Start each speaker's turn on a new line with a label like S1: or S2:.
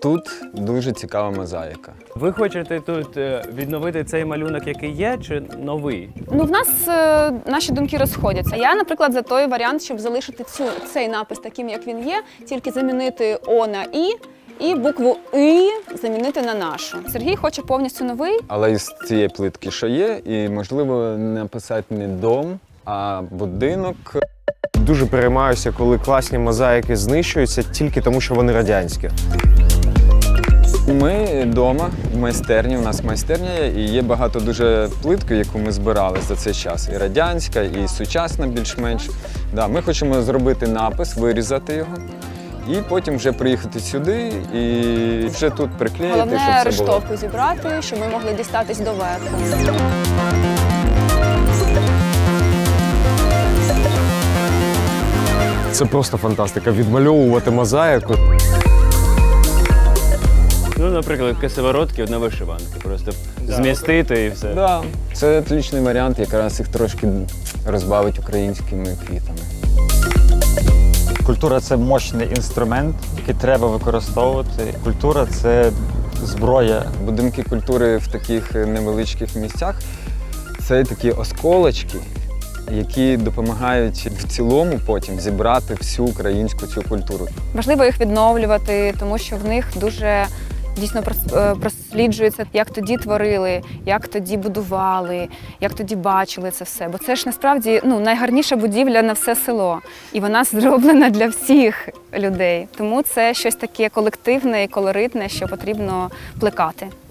S1: тут дуже цікава мозаїка.
S2: Ви хочете тут відновити цей малюнок, який є, чи новий?
S3: Ну, в нас наші думки розходяться. Я, наприклад, за той варіант, щоб залишити цей напис таким, як він є, тільки замінити О на і букву І замінити на нашу. Сергій хоче повністю новий.
S1: Але із цієї плитки, що є, і, можливо, написати не дом, а будинок.
S4: Дуже переймаюся, коли класні мозаїки знищуються тільки тому, що вони радянські.
S1: Ми вдома, в майстерні, у нас майстерня є, і є багато дуже плитки, яку ми збирали за цей час. І радянська, і сучасна більш-менш. Да, ми хочемо зробити напис, вирізати його, і потім вже приїхати сюди і вже тут приклеїти,
S3: Головне
S1: щоб це було.
S3: рештовку зібрати, щоб ми могли дістатись до верху.
S4: Це просто фантастика. Відмальовувати мозаїку.
S2: Ну, наприклад, косоворотки на вишиванки. Просто змістити і все.
S1: Да, це отличний варіант, якраз їх трошки розбавити українськими квітами.
S5: Культура – це мощний інструмент, який треба використовувати. Культура – це зброя.
S1: Будинки культури в таких невеличких місцях – це такі осколочки, які допомагають в цілому потім зібрати всю українську цю культуру.
S3: Важливо їх відновлювати, тому що в них дуже дійсно просліджується, як тоді творили, як тоді будували, як тоді бачили це все. Бо це ж насправді найгарніша будівля на все село. І вона зроблена для всіх людей. Тому це щось таке колективне і колоритне, що потрібно плекати.